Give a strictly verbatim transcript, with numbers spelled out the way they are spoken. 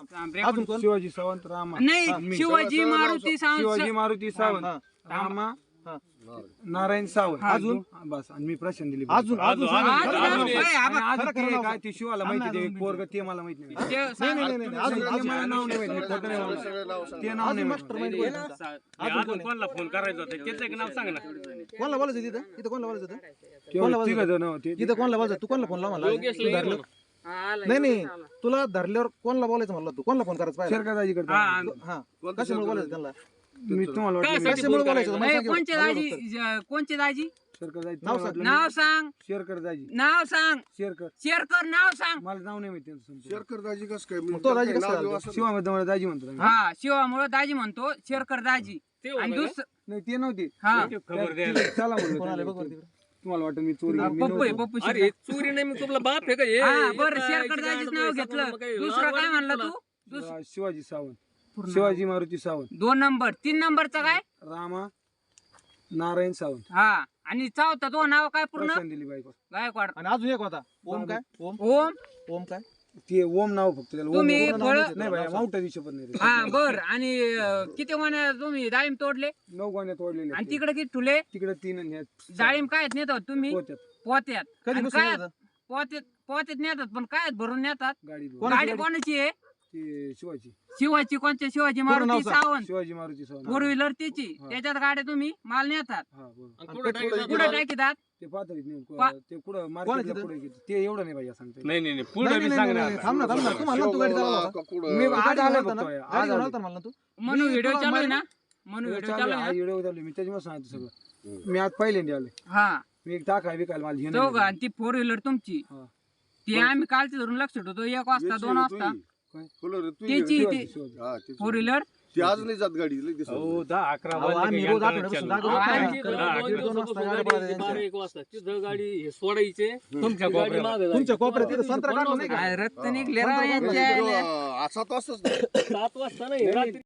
अजून कोण? शिवाजी सावंत रामा नाही शिवाजी मारुती सावंत शिवाजी मारुती सावंत रामा नारायण सावंत अजून? बस आणि मी प्रशांत दिली अजून अजून सांगा. अजून- खरं- खरं- अजून- ए, आबा, आणि खरं- अजून खरं ते नाव काय ते शिवाला माहिती ते अजून- पोरग ते मला माहिती नाही ते नाही सांग. नाही नाही नाही. अजून ते अजून मला नाव नाही माहिती खोटं नाही बोलणार. ते नाव नाही अजून माहिती. मास्टर माइंड कोण आहे तुमचा? अजून कोणाला फोन करायचा होता त्याचं एक नाव सांग ना. कोणाला बोलायचं तिथं इथं कोणाला बोलायचं होतं? केवळ तिघं जण होते. इथं कोणाला बोलायचं तू कोणाला फोन लाव म्हणला? तू धरलं नाही नाही तुला धरल्यावर कोणाला बोलायचं म्हणलं तू कोणाला फोन करायचा पाहिजे? शेरकादाजीकडे हा. हा कशामुळे बोलायचं त्यांना? मी तुम्हाला वाटलं कशामुळे बोलायचं होतं? मला ए, सांग कोणचे एवढं. दाजी ज- कोणचे दाजी शेरकादाजी नाव तुम्हाला सांग. वाटलं नाव सांग शेरकर दाजी नाव सांग शेरकर शेअर कर नाव सांग. मला नाव नाही माहिती त्यांचं संपूर्ण. शेरकर दाजी कसं काय मग तो दाजी कसं झाला? शिवामध्ये मला दाजी म्हणतो आम्ही. हा शिवामुळे दाजी म्हणतो शेअर कर दाजी आणि दुसरं नाही ते नव्हते हा खबर द्यायला ते- चला म्हणलं कोणाला त्यांना. बघ बरं तिकडं. तुम्हाला वाटतं मी चोरी मी पप्पू आहे, नव्हतो. पप्पू अरे चोरी नाही मी तुला बाप आहे का हे? हा बरं इथं शेअर कर इथं दाजीच गाडीत नाव पैसा घेतलं मग काही दुसरं लाज काय वाटते म्हणलं तुला? तू दुस- अं, शिवाजी सावंत शिवाजी मारुती सावंत दोन नंबर तीन नंबरचा काय रामा नारायण सावंत हा आणि चौथा तो नाव काय पूर्ण प्रशांत दिली बायको गायकवाड आणि अजून एक होता ओम काय ओम ओम ओम काय ते ओम नाव फक्त त्याला ओम तुम्ही ओम नाव फळं- नाही. नाही बाई मावटा दिवशी पण नाही रे. हा बर आणि अं, किती महिने तुम्ही डाळिंब तोडले नऊ गोण्या तोडलेले आणि तिकडे किती ठुले तिकडे तीन आणि ह्यात डाळिंब काय नेतात तुम्ही पोत्यात पोत्यात कधी आणि बसून काय येतं? पोत्यात पोत्यात नेतात पण काय भरून नेतात गाडी कोणाची गाडी गाडी? कोणाची आहे ती शिवाजी शिवाची कोणत्या शिवाजी पूर्ण नाव मारुती सांग. सावंत शिवाजी मारुती सावंत फोर व्हीलर त्याची हा. त्याच्यात गाड्या तुम्ही माल नेतात हा बरोबर आणि कुठं टाकायचं? कुठे टाकीतात ते पाहतोय नाही पा- ते कुठं कोणाची मार्केटला ते? पुढे घेते ते एवढं नाही भैया सांगते नाही नाही नाही नाही, पुढे नाही, बी नाही, सांग नाही, ना. थांब ना थांब ना तू म्हणला तू गाडी चालवला होता. मी गाडी आज आलो चालवला फक्त होता ना? आज गाडी आलो. चालवला म्हणला तू म्हणून मी व्हिडिओ तुला चालू आहे माहिती- ना म्हणून व्हिडिओ चालू चालू आहे, आहे आज ना? व्हिडिओ चालू आहे. मी त्याच्यामुळे सांगतो सगळं मी आज पहिल्यांदा आलोय हा मी एक टाका विकायला मला घेणं चौघ नाही. आणि ती फोर व्हीलर तुमची हा. ती आम्ही कालची धरून लक्ष ठेवतो एक वाजता दोन वाजता त्याची शिवाजी, ती शिवाजी. फोर व्हीलर ती आज नाही जात गाडी लई दिवस हो दहा अकरा अहो, वाजले आम्ही की रोज यंत्रणा आठवड्यापासून चालू. जागो आम्ही होतो. दहा दहा- अकरा दोन वाजता गाडी पळायला जायचं. बारा एक वाजता तिथं गाडी हे सोडायचे तुमच्या कोपऱ्याला. तुमच्या कोपऱ्यात तिथं संत्रा काढला नाही का? काय रक्त निघले राव यांच्या असा तासच सात वाजता नाही रात्री